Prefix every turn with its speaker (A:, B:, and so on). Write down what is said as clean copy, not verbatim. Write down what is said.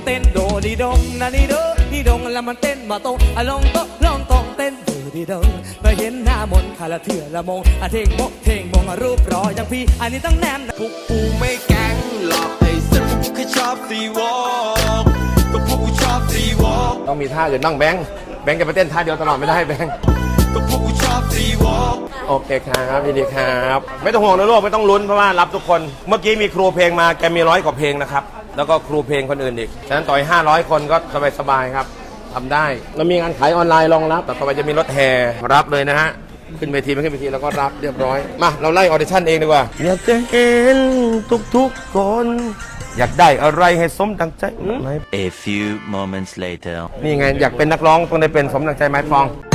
A: ต้นโดดีดงนาดีโดดีดงแล้วมันเต้นมาตรงลองโตลองตรงเต้นโดดีดงมาเห็นหน้ามนคาละเถื่อละมงเท่งโมเท่งมงรูปรออย่างพี่อันนี้ต้องแนม
B: พวกกูไม่แก๊งหรอกไอ้สัตว์พวกกูแค่ชอบซีวอล์กก็พวกกูชอบซีวอล์ก
C: ต้องมีท่าอื่นบ้างแบงค์จะไปเต้นท่าเดียวตลอดไม่ได้แบงค์
B: ก็พวกกูชอบซีวอล์ก
C: โอเคครับยินดีครับไม่ต้องห่วงนะลูกไม่ต้องลุ้นเพราะว่ารับทุกคนเมื่อกี้มีครูเพลงมาแกมี100 กว่าเพลงนะครับแล้วก็ครูเพลงคนอื่นอีกฉะนั้นต่อย500 คนก็สบายๆครับทำได้เรามีงานขายออนไลน์รองรับแต่ต่อไปจะมีรถแห่รับเลยนะฮะขึ้นเวทีไม่ขึ้นเวทีแล้วก็รับเรียบร้อยมาเราไล่ออดิชั่นเองดีกว่าอยากจะเห็นทุกๆคนอยากได้อะไรให้สมดังใจ
D: A few moments later
C: นี่ไงอยากเป็นนักร้องต้องได้เป็นสมดังใจไม้ฟอง